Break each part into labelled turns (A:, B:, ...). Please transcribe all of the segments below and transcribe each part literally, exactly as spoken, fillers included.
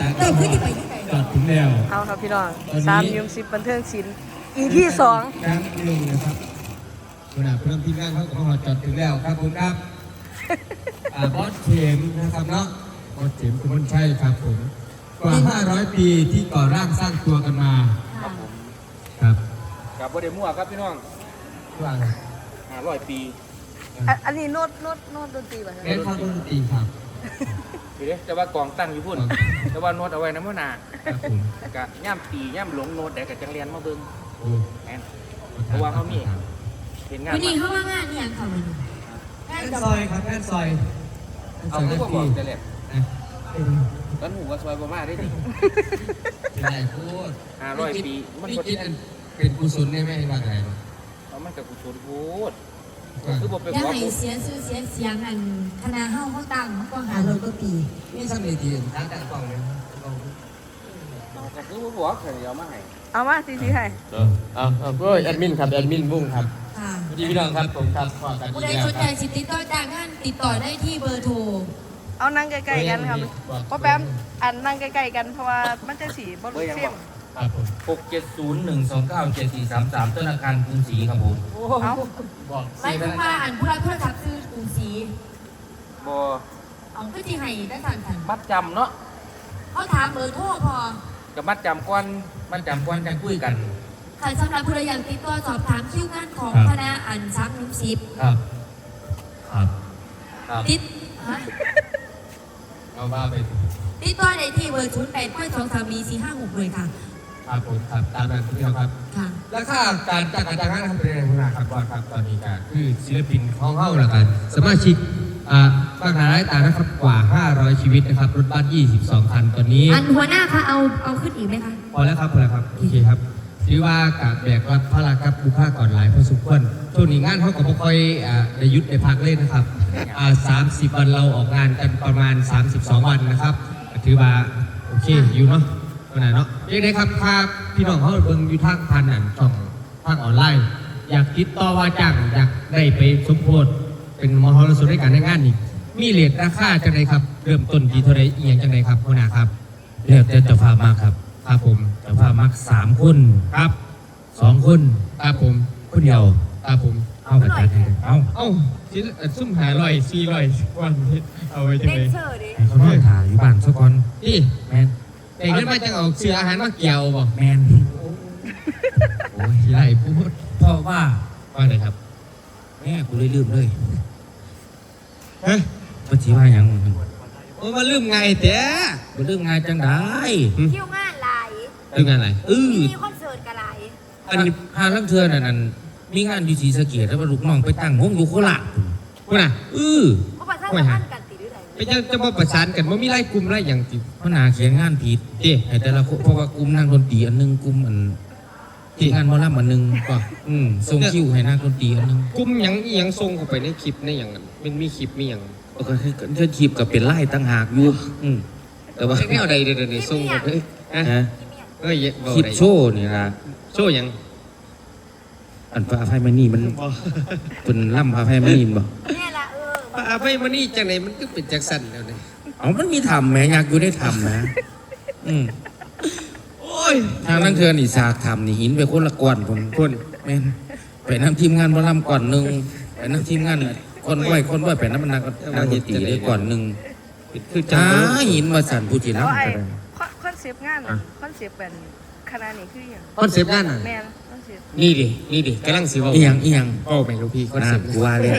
A: เติมขึ้นที่ไปที่ไหน
B: จอดถึงแล้ว
C: เอาครับพี่น้องสามยุมสิบบันเทิงศิลป์อีพีสอง
B: ครั้งหนึ่งนะครับขณะเพื่อนที่นั่งเขาก็มาจอดถึงแล้วครับผมครับบอสเข็มนะครับเนาะบอสเข็มคุณชัยครับผมกว่าห้าร้อยปีที่ก่อร่างสร้างตัวกันมา
D: ครับผม
B: ครับ
D: กับโบเดมั่วครับพี่น้อง
B: ว่า
D: ห้าร้อยปี
C: อันนี้โน้ตโน้ตโน้ตดนตรีป่ะ
B: เล่นข้าวดนตรีครับ
D: เดี๋ยวแต่ว่ากองตั้งอยู่พุ่นแต่ว่าโน้ตเอาไว้น้ำมันหนากับย่ำปีย่ำหลงโน้ตแต่กับจังเรียนมาเบิ้งแอนเพราะว่าเขามีเห็นงาน
A: วันนี้เขาว่างานนี่ยังค่ะวันนี้
B: แอนซอยครับแอนซอย
D: เอาผู้บอกจะเล็บกันหูว่าซอยประมาณได้ดิ
B: เป็นไรพูด
D: ห้าร้อยปี
B: มันคิดเป็นกุศลได้ไหมว่าไง
D: เอามันกับกุศลพูด
A: คือบอกเป็นว่าเสียชื่อเสียเสียงอันคณะเฮ้าเขาตั้งก็หาเราก็ปี
B: นี่สมัยที่ตั้งแต่ก่อนเลย
D: แต่คือว่าบอกเดี๋ยวมาให้
C: เอามาซีซีให้
B: เอาเอาก็แอดมินครับแอดมินบุ้งครับสวัสดีพี่น้องครับผมครับขอกัน
A: ผู้ใดสนใจสิติดต่อจากงานติดต่อได้ที่เบอร์โทร
C: เอานั่งใกล้ๆกันครับเพราะแป๊บอันนั่งใกล้ๆกันเพราะว่ามันจะสีบอลลูนเสียง
D: หกเจ็ดศูนย์หนึ่งสองเก้าเจ็ดสี่สามสามธนาคารกรุงศรีครับผม
C: เอา
A: บอกไม่ทุกมาอ่านผู้รับโทรศัพท์ซื้อกรุงศรี
D: บอ
A: เอาก็ที่ให้ได้สั่งกัน
D: มัดจำเนาะ
A: เขาถามเบอร์โทรพอ
D: กับมัดจำก้อนมัดจำก้อนกันคุยกัน
A: ค่ะสำหรับผู้ใดอยากติดต่อสอบถามคิวงานของคณะอ่านซักนุ่มซิป
B: ครับครับ
A: ติด
B: เอาว่าไป
A: ติดต่อได้ที่เบอร์ศูนย์แปดก้อยสองสามีสี่ห้าหกเลยค่ะ
B: ครับผมครับตามนั้นทุกอย่างครับแล้วค่าการจัดการจ้างงานทำเป็นยังไงครับบอสครับตอนนี้การคือศิลปินของเฮ้าละกันสมาชิกอ่าฟังหาได้ตานะครับกว่าห้าร้อยชีวิตนะครับรถบัสยี่สิบสองคันตอนนี้
A: อันหัวหน้าคะเอาเอาขึ้นอีกไหมคะ
B: พอแล้วครับพอแล้วครับโอเคครับถือว่าการแบกรับภาระกับบุคคลก่อนหลายพอสมควรช่วงนี้งานเขาก็ไม่ค่อยอ่าได้ยุดได้พักเล่นนะครับอ่าสามสิบวันเราออกงานกันประมาณสามสิบสองวันนะครับถือว่าโอเคอยู่เนาะขนาดเนาะยังไงครับถ้าพี่น้องเขาเบิ่งอยู่ทางพันนั่นช่องทางออนไลน์อยากติดต่อว่าจ้างอยากได้ไปสมโภชเป็นมหรสพในการในงานนี่มีเรทราคาจังไดครับเริ่มต้นที่เท่าไรเอียงจังไดครับหัวหน้าครับเลือกแต่เจ้าภาพมากครับครับผมเจ้าภาพมักสามคนครับสองคนครับผมคนเดียวครับผมเอากระจายให้เอาเอาชิ้นซุ่มหาลอยสี่ลอยวันเอาไว้จังไดให้เขาไม่ถ่ายอยู่บ้านสักคนนี่แมนแต่เงินมาจังเอาเสื้ออาหารมาเกี่ยวบ่แมนโอ้ยไรพูด
D: เพราะว่า
B: ว่าไงครับ
D: แม่กูเลยลืมเลย
B: ฮะ
D: มาชี้ว่าอย่าง
B: โอ้มาลืมไงเต้
D: มาลืมไงจังได้
A: คิวงานไร
B: ลืมงานอะไร
D: เออ
A: มีคอนเสิร์ตกันไร
D: อันนี้หาลังเทือนนั่นมีงานอยู่ศรีสะเกษแล้วลูกน้องไปตั้งห้องอยู่โคราช
B: คุณน่ะ
D: เออ
A: ไม่ฮะ
B: ไปจะจะมาประสานกันว่ามีไล่กลุ่มไล่อย่างติ
D: พนาเขียนงานผิดเอ๊ะแต่ละเพราะว่ากลุ่มนั่งดนตรีอันนึงกลุ่มอันที่งานมอลล์อันนึงก็อืมส่งคิวให้นั่งดนตรีอันนึง
B: กลุ่มยังยังส่งเข้าไปในคลิปในอย่างนั้นมันมีคลิปมีอย่าง
D: ก็คือเธอคลิปกับเป็นไล่ตั้งหากอยู่อืม
B: แต่ว่าแนวใดเดี๋ยวนี้ส่งเข้าไปฮะเอ้ย
D: คลิปโชว์นี่นะ
B: โชว์ยัง
D: อันพระอภัยมณีมันเป็นล่ำพระอภัยมณีบ่
A: เนี่ยละเออ
B: พระอภัยมณีจังไหนมันก็เป็นจักสันแล้วเนี่ย
D: เอามันมีทำแม่อยากอยู่ได้ทำนะอืม
B: โอ้ย
D: ทางนั้นเธอนี่สากทำนี่หินไปคนละก้อนผมคนแม่ไปน้ำทีมงานบ่ล่ำก่อนหนึ่งไปน้ำทีมงานคนไหวคนไหวไปน้ำมันนักนักดนตรีได้ก่อนหนึ่งคือจ้าหินมาสั่นผู้จีนแล้ว
C: คอนเซปต์งานคอนเซปต์แบบคณะนี้คืออย่าง
B: คอนเซปต์งาน
C: แมน
B: นี่ดินี่ดิกำลังสิว่า
D: อีหยังอีหยัง
B: โอ้ไปลูกพี่คอนเซปต์
D: กูว่าเลย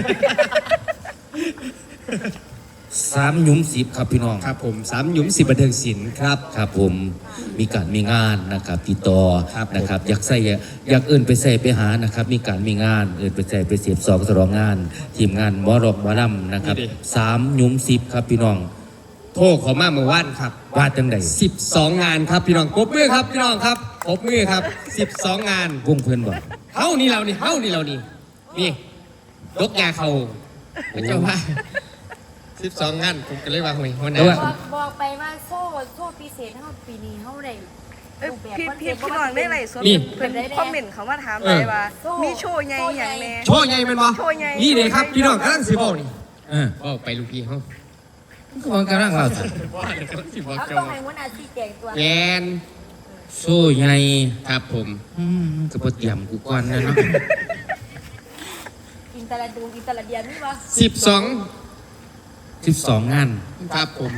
D: สามหยุมสิบครับพี่น้อง
B: ครับผมสามหยุมสิบบันเทิงศิลป์ครับ
D: ครับผมมีการมีงานนะครับติดต่อนะครับอยากใส่อยากเอื่นไปใส่ไปหานะครับมีการมีงานเอื่นไปใส่ไปเสียบสองสรองงานทีมงานหมอรอกหมอลำนะครับสามหยุมสิบครับพี่น้อง
B: โทษขอมาเมื่อวานครับ
D: ว่าจังใด
B: สิบสองงานครับพี่น้องปรบมือครับพี่น้องครับปรบมือครับสิบสองงาน
D: วงเพื่อนบอก
B: เฮ้านี่เรานี่เฮ้านี่เรานี่นี่ยกยาเขาเจ้าว่าสิบสองงานผมก็เลยว่าหวยวันไหน
A: บอกไปว่าโซ่โซ่พิเศษเท่าปีนี้เท่าไหร่
C: พี่พี่พี่น้องได้ไรส่วนเป็นคอมเมนต์เขามาถามไปว่ามีโชว์ใหญ่อย่างแน่
B: โชว์ใหญ่เป็นบ่นี่เลยครับพี่น้องกำลังสิบอกนี่เออบอกไปลูกพี่เขา
D: ก็ว่ากำลังเล่าสิ
A: เอาต้องให้หัวหน้าชี้แจงตัว
B: แกน
D: โซ่ใหญ่
B: ครับผม
D: อืมก็บ่เตรียมกูก่อนนะเนาะ
A: กินแต่ละดูกินแต่ละเดียนนี่วะ
B: สิบสอง
D: สิบสองงาน
B: ครับผม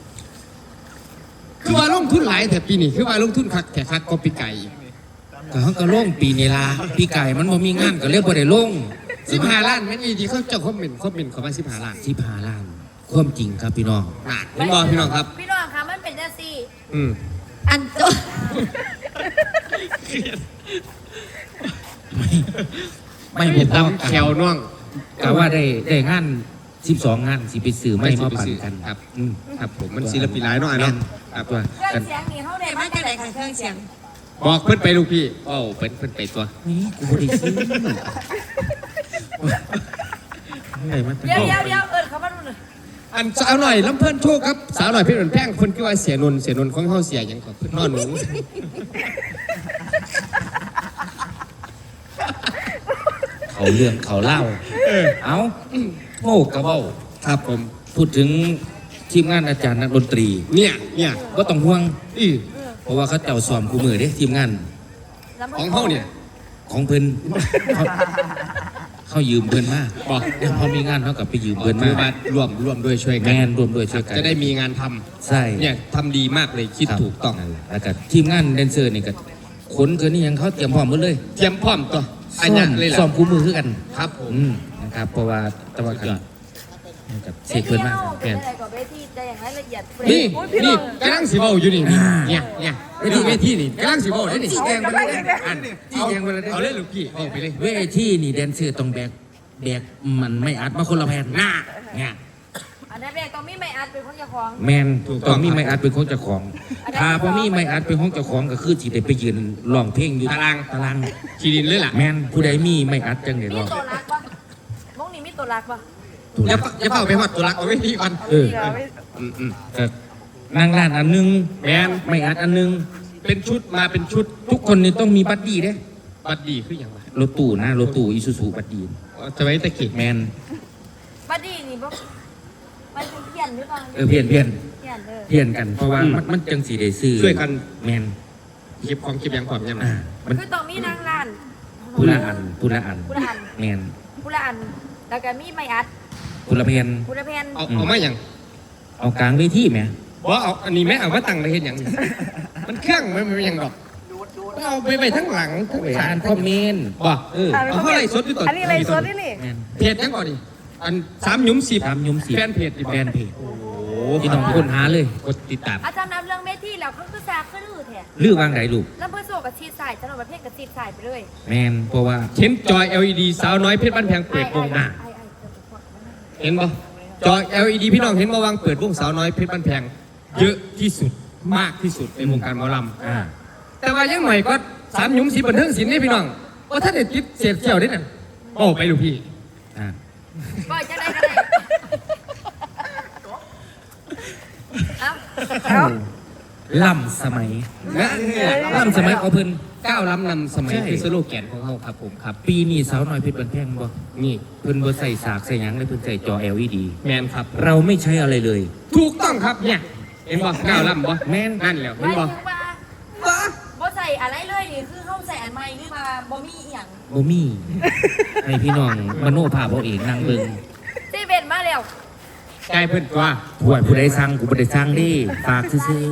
B: คือว่าลงทุนหลายแต่ปีนี้คือว่าลงทุนคักแต่คักก็ปีไก่
D: ก็เขาก็ลงปีนี้ล่ะปีไก่มันบ่มีงานก็เลยบ่ได้ลง
B: สิบห้าล้านแม่นอีดีเขาเจ้าคอมเมนต์คอมเมนต์เขาว่าสิบห้าล้าน
D: สิบห้าล้านความจริงครับพี่น้อง
B: น่ะเห็นบ่พี่น้องครับ
A: พี่น้องคะมันเป็นจังซี่
B: อืม
A: อันโต
D: ไม่ไม่
B: ไม่
D: บ่พอ
B: ตำแขวน้อง
D: ก็ว่าได้ได้งานสิบสองงานสิไปซื้อไม่มาปั่นกัน
B: ครับ
D: อืม
B: ครับผมมันศิลปินหลายเนาะไอ้เนาะครับ
D: ตัว
A: เครื่
D: กั
A: อน งเสียงนี่เขาได้มาจากไหนคะเครื่องเสียง
B: บอกเพิ่นไปลูกพี่โอ้เพิ่นเพิ่นไปตัว
D: นี่กูบ่ได้ซื้อได้มา
A: เดี๋ยวเดี๋ยวเดี๋ยวเอิญเขามาดูหน่อย
B: อันสาวหน่อยลำเพิ่นโชคครับสาวหน่อยเพชรเหมือนแป้งเพิ่นคือว่าเสียนนท์เสียนนท์ของเฮาเสียหยังก่อนเพิ่นนอนหนู
D: เขาเรื่องเขาเล่าเอาโง่กระเบ้า
B: ครับผม
D: พูดถึงทีมงานอาจารย์นักดนตรี
B: เนี่ยเนี่ย
D: ก็ต้องห่วง
B: อี
D: เพราะว่าเขาเจ้าซ้อมคู่มือเด้ทีมงาน
B: ของเฮาเนี่ย
D: ของเพิ่นเขาเขายืมเพิ่นมา
B: บอก
D: เดี๋ยวพอมีงานเขากับไปยืม
B: เพิ่
D: เพิ่
B: น
D: น
B: มา
D: มา
B: ร่วมร่วมด้วยช่วย
D: แม
B: กัน
D: นรวมด้วยช่วยกัน
B: จะได้มีงานทำ
D: ใช่
B: เนี่ยทำดีมากเลยคิด
D: รับ
B: ถูกต้อง
D: นั่นแหละแล้วก็ทีมงานแดนเซอร์นี่ก็ขนเกินนี่ยังเขาเตรียมพร้อมหมดเลย
B: เตรียมพร้อมตัวอัน
D: ซ้อ
B: เนี้ย
D: ม
B: เลย
D: ซ้อ
B: ล่ะ
D: มคู่มือคือกัน
B: ครับผม
D: อืมนะครับเพราะว่าตะวันกันกับเสกเพิ่นมา
A: เป็
D: แม่
A: น
D: น
A: อะไรกับเวทีจะอย่างไรละเอียด
B: นี่
C: โอ้ยพี่น้
B: นี่
C: อง
B: กำลังสิเว้าอยู่นี่เนี่ยเนี่ยเวทีเวทีนี่กำลังสิเว้าได้นี่
D: จี้แจงไปเลยอันจี้แจงไปเลย
B: เอาเลยลูกพี่เอาไปเลย
D: เวทีนี่แดนเซอร์ต้องแบกแบกมันไม่อัดมาคนละแผ่นหน้าเนี่ย
A: อันนั้นแรกต้องมีไม่อัดเป็นคนเจ้าของ
D: แมนต้องมีไม่อัดเป็นของเจ้าของ ถ้าพอมีไม่อัดเป็นของเจ้าของก็คือสิได้ไปยืนร้องเพลงอยู่
B: ตาราง
D: ตาราง
B: ขีดินเลยล่ะ
D: แมนผู้ใดมีไม่อัดจังได้
A: มี
D: ร้อง
A: ตัวรักปะมงนี่มีตัวรักปะ
D: ถูก
B: อย่าอย่าเฝ้าไปหอดตัวรักเอาไว้ที่ก่อน
D: เออ
C: เดี๋ยวไม่
B: อืมอืม
D: ก็นั่งร้านอันหนึง
B: แมน
D: ไม่อัดอันหนึง
B: เป็นชุดมาเป็นชุด
D: ทุกคนนี่ต้องมีบัดดี้เด้
B: บัดดีคืออย่างไร
D: รถตู้นะรถตู้อีซูซูบัดดี้
B: จะไว้ตะเกียบ
D: แมน
A: บัดดี้นี่ปะมันเป็นเพี้ยนหรือเปล่า
D: เออเพี้ยนเพี้ยน
A: เพี้ยนเออ
D: เพี้ยนกันเพราะว่ามันมันจังสีได้ซื้อ
B: ช่วยกัน
D: แมน
B: เก็บของเก็บอย่างความยังไง
D: อ่ามัน
A: คือต้องมีนางร้าน
D: ผู้ละอันผู้ละอัน
A: ผู้ละอัน
D: แมน
A: ผู้ละอันแล้วก็มีไม่อัด
D: ผู้ละเพียน
A: ผู้ละแผ่น
B: เอาเอามาอย่าง
D: เอากลางเวทีไหม
B: ว่าเอาอันนี้แม่เอามาตั้งไปเห็นอย่างนี้มันเครื่องไม่ไม่อย่างดอกเอาไปไปทั้งหลังทั้ง
D: ไป
B: ขา
D: อ่านคอมเมนต์
B: บ่
D: เออ
B: เอาเท่าไรสดอยู่ต่อ
C: อันนี้อะไรสดนี่นี่
D: แมน
B: เพจยังก่อนดิอันสามหยุ้มสิบ
D: ตามยุมสี
B: แฟนเพจดิ
D: แฟนเพจ
B: โอ้โห
D: ที่น้องค้นหาเลย
B: กดติดตาม
A: อาจารย์นำเรื่องเมทีแล้วเขาคือซาขึ้นลือแท้
D: ลือวางไหนลูก
A: แล้วเพื่อโซกับชีดสายถนนประเภทกับชีดสายไปเลย
D: แมนเพราะว่า
B: เห็นจอย แอล อี ดี สาวน้อยเพชรบ้านแพงเปิดวง
A: อ่ะ
B: อ่ะเห็นบ่จอย แอล อี ดี พี่น้องเห็นมาวางเปิดวงสาวน้อยเพชรบ้านแพงเยอะที่สุดมากที่สุดในวงการหมอลำ
D: อ่า
B: แต่ว่ายังใหม่ก็สามหยุ้มสีบันเทิงศิลป์นี่พี่น้องว่าถ้าเด็ดติดเสียบเสี่ยวนิดน่ะโอ้ไปลูกพี่
D: อ่า
A: ก็จะได้ก็ได้เอ้า
C: เอา
D: ล่ำสมัย
B: นะ
D: ล่ำสมัยเอาเพิ่น
B: ก้าวล้ำนำสมัย
D: ใช่
B: คือสโลแกนของเขาครับผมครับ
D: ปีนี้สาวน้อยเพชรบันแพงบ่
B: นี่
D: เพิ่นบ่ใส่สากใส่หยังเลยเพิ่นใส่จอ แอล อี ดี
B: แมนครับ
D: เราไม่ใช้อะไรเลย
B: ถูกต้องครับเนี่ยเห็นบ่ก้าวล้ำบ่
D: แม่น
B: นั่นแหละ
A: ห
B: เห็น
A: มาย
B: บ่
A: ถึงว่าบ่ใส่อะไรเลยนี่คือเขาใส่อันใหม่หรือว่าบ่มีอีหยัง
D: บ่มีให้พี่น้องมโนภาพเอาเองนั่งเบิ่ง
A: ที่เป็นมาแล้ว
B: กลายเพิ่นกว่า
D: ผู้ใดผู้ใดสั่งกูบ่ได้สั่งเดิฝากซื่อ
A: ร้าน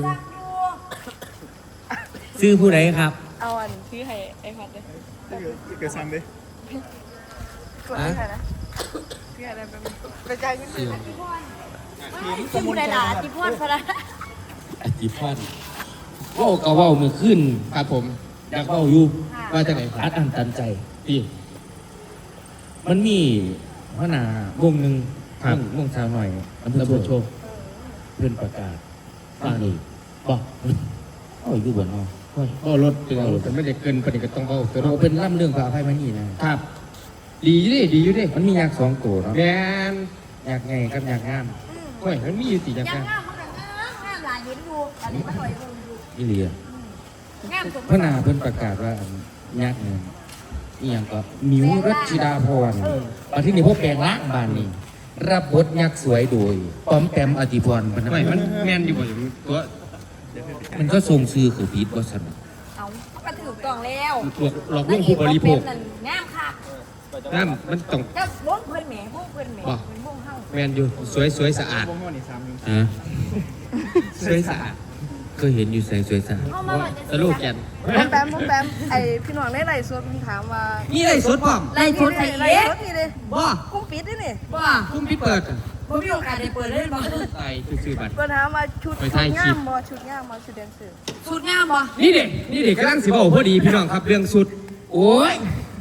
D: ๆชื่อผู้ใดครับ
C: เอาอันที่ให้ไอ้พัดเลย
E: เกิดซ้ำดิ
C: กดให้ใครนะที่อะไรไปกระจายเงินเลย
A: อยู่ที่ผู้ใดล่ะที่พ่อนพระ
D: อธิพันธ์เว้าก็เว้ามื้อคืน
B: ครับผม
D: อยากเว้าอยู่
B: ว่าจะไหนค
D: อั
B: รับ
D: ดอั้นตันใจ
B: พี่
D: มันมีหัวหน้าวงหนึง
B: ครับ
D: วงวงสาวหน่อยอำเภอโพธิ์โชคเพิ่นประกาศว่านี่บ่เอาอยู่บ่เนาะโอ้ย
B: ก็รถเป็นรถแต่ไม่ได้เกินปานนี้ก็ต้องเว้าตัว
D: เรา
B: เรา
D: เป็นล่ำเรื่องพระอภัยมณีนะครับ
B: ดีอยู่ดิดีอยู่ดิ
D: มันมียักษ์สองตัวเนาะ
B: แมน
D: ยักษ์ไงกับยักษ์งาม
B: โอ้ยมันมีอยู่สิจัง
A: ยัง
B: ไง
A: งามมันก็งามงามหลายเห็นอยู่อันนี้มันหน่อยเบิ่งอยู่
D: อีเหลีย
A: งามสุด
D: พระนาเพิ่นประกาศว่าอันยักษ์เนี่ยอีหยังก็มิวรัชชิดาพรประเทศนี้พวกแปลงร่างบ้านนี่รับบทยักษ์สวยโดยปอมแปมอธิพรพนั
B: ไม่
D: ก
B: มันแม่นอยู่บ่อยู่ตัว
D: มันก็ทรงซื้อคือพีทวัสดุ
C: เอาก็ถือกล่องแล้ว
B: หลอกหลอกลวงผู้บริโภค
C: งามค่ะ
B: นั่นมันต้อง
C: เจ้าล้นเพื่อนแหม่ห้องเพื่อนแหม่
B: บ่
C: เป็นห้องเฮา
B: แม่นอยู่สวยสวยสะอาด
D: ฮะ
B: สวยสะอาด
D: เคยเห็นอยู่ใส่สวยสะอาด
C: ห้องมาหล่อนจะ
B: ตะลูกแกน
C: น้องแปมน้องแปมไอพี่น้องในไร่สดมันถามว่า
B: นี่เลยสดพร้อม
A: ไล่ทุนไอ้
C: ไร่
A: เอ๊ะ
C: สดนี่เลย
B: บ่
C: กุ้งปิดนี่นี่
A: ว่า
B: คุ้มพี่เปิด
A: บ่มีโอกาสได้เปิดเลยบ่
B: ใส่ซื้อบัตร
C: ก็ถามว่าชุด
B: ไป
C: ชุ
B: ถ่าย
C: ด
B: คลิ
C: งา
B: ป
C: มบ่ชุดงามบ่ชุดแดนเซอร์
A: สุดงามบ่
B: นี่เด็กนี่เด็กกำลังสิบอกพอดีพี่น้องครับเรื่องสุด
D: โอ้ย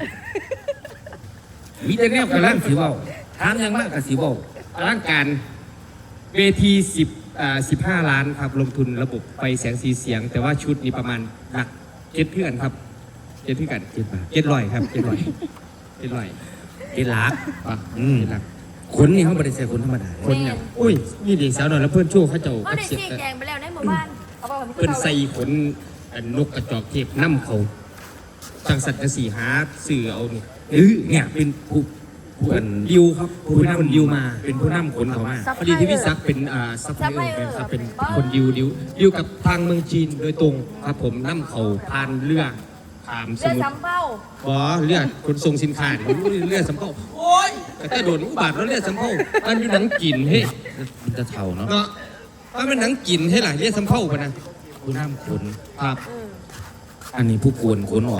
D: มีแต่แนวกำลังสิเว้าถามยังมากกับสิเว้า
B: อลังการเวทีสิบอ่าสิบห้าล้านครับลงทุนระบบไฟแสงสีเสียง แต่ว่าชุดนี้ประมาณหลักเจ็ดเพื่อนครับเจ็ดเพื่อน
D: เจ็ดบาท
B: เจ็ดร้อยครับเจ็ดร้อยเจ็ดร้อย
D: เจ็ดหลัก
B: อ่ะ
D: อืม
B: เจ็ดหลัก
D: ขนนี่เขาไม่ได้ใส่ขนธรรมดา
B: คนเนี่ยอุ้ยนี่เด็กสาวหน่อยแล้วเพื่อนโชว์เขาเจ้า
A: เขาได้
B: เสีย
A: ชี้แจงไปแล้วในหมู่บ้าน
C: เอาบ่
B: เพื่อนใส่ขนอันนกกระจอกเทพน้ำเขาจังสัตว์จะสี่หาสื่อเอานี่เออเนี่ยเป็นผู้ผู้อันดิวครับผู้นำดิวมาเป็นผู้นำขนเขามาพอดีที่พี่ซักเป็นอ่าซัพพลายเออร์ครับเป็นคนดิวดิวดิวกับทางเมืองจีนโดยตรงครับผมน้ำเขาผ่านเรือผ่านส
C: เรือ
B: มุทร
C: สำเภา
B: บอเรือขนส่งสินค้าเนี่ยเรือสำเภาโอ้ยแต่ถ้าโดนอุบาทแล้วเรือสำเภามันมีหนังกินเฮ้ย
D: มันจะเท่าเนาะ
B: เนาะมันเป็นหนังกินให้หล่ะเรือสำเภาปะนะ
D: ผู้น้ำขน
B: ครับ
D: อันนี้ผู้กวนขนออก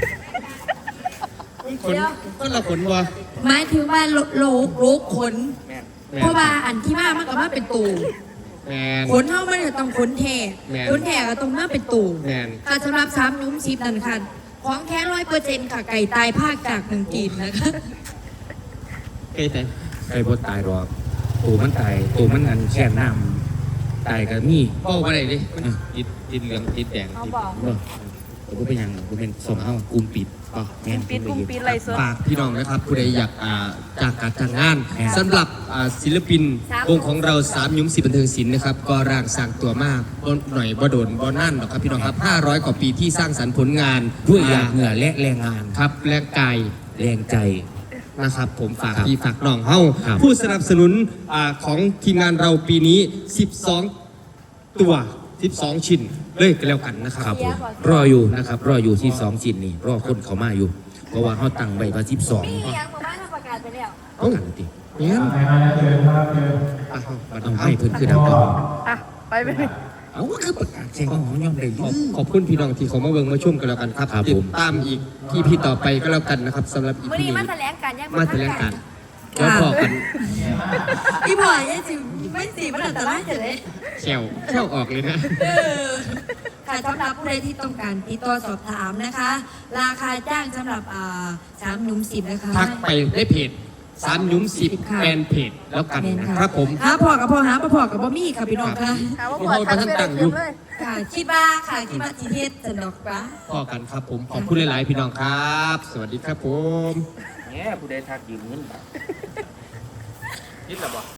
B: ขนก็ละขนวะ
A: หมายถึงว่าโลโลกโลกขน เพราะว่าอันที่มามันก็มาเป็นตู่
B: แมน
A: ขนเฮามันก็ต้องขนแท้
B: แม่น
A: ขนแท้ก็ต้องมาเป็นตู่
B: แมน
A: ค่ะสำหรับสามยุ้มสิบนั่นค่ะของแค่ร้อยเปอร์เซ็นต์ค่ะไก่ตายภาคจากเมืองจีนนะคะ
B: เอ้ยแต่
D: ใครบ่ตายหรอกตัวมันตายตัวมันอันแค่น้ำตายก็มี
B: เป้าอะไรดิมันติดติดเหลืองติดแดง
C: เอา
B: ติด
C: บ่
D: เนาะแต่ก็เป็นหยังก็เป็นส่งเอากุมปิดป่ะแม่น
C: ปิดกุ้งปิดไร่สด
B: ฝากพี่น้องนะครับผู้ใดอยากอ่าจากการจ้างงานสำหรับอ่าศิลปินวงของเราสามยุ้มสิบบันเทิงศิลป์นะครับก็ร่างสร้างตัวมากบ่หน่อยบ่โดนบ่นั่นหรอกครับพี่น้องครับห้าร้อยกว่าปีที่สร้างสรรค์ผลงาน
D: ด้วยหยาดเหงื่อและแรงงาน
B: ครับแรงกาย
D: แรงใจ
B: นะครับผมฝาก
D: ครับ
B: พี่ฝากน้องเฮา
D: ครับ
B: ผู้สนับสนุนอ่าของทีมงานเราปีนี้สิบสองตัวสิบสองชิ้นเลยก็แล้วกันนะครับ
D: ครับผมรออยู่นะครับ รออยู่ที่สองจินนี่รอคนเขามาอยู่ เพราะว่าเขาตั้งใบประสิบสอง
C: มีหยังหมู่บ้านเขาประกาศไปแล้ว
D: เอากันติ
B: เนี่ย
D: เอาเอาให้เพิ่นคือดังก่อน
C: อ่ะไปไป
D: เอาก็คือประกาศแจ้งของย่อมได้
B: ข
D: ยื
B: อบขอบคุณพี่น้องที่เขามาเบิ่งมาชมกันแล้วกันครับ
D: ครับ
B: ติ
D: ผ
B: ด
D: ม
B: ตามอีกที่พี่ต่อไปก็แล้วกันนะครับสำหรับอี
C: มื้อ
B: พี
C: นี้
B: นี้
C: มาแถลงการยังบ่
B: มา
C: ทั
B: แถ
C: น
B: ลง
C: กั
B: กัน นแล้วพอกัน
A: พี่บอยยังสิไม่สิมันอันตรายจะเลย
B: แชวแชวออกเลยนะ
A: เออค่ะสำหรับผู้ใดที่ต้องการติดต่อสอบถามนะคะ ราคาจ้างสำหรับอ่าสามหนุ่มสิบนะคะ
B: ทักไปได้เพจสามยุ้มสิบ
A: ค่ะ
B: แฟนเพจแล้วกัน
A: แม่น
B: นะ
A: ค่ะ
B: ครับผม
A: หาพ่อกับพ่อหาพ่อพ่อกับบ่มีค่ะพี่น้องค่ะ
C: ถามว่าปวดทันไปได้เต็มเลย
A: ค่ะคิดว่าค่ะคิดว่าจีเทศสนอกปะ
B: พอกันครับผมขอบคุณหลาย ๆ พี่น้องครับ สวัสดีครับผม
D: แหมผู้ใดทักยืมเงิน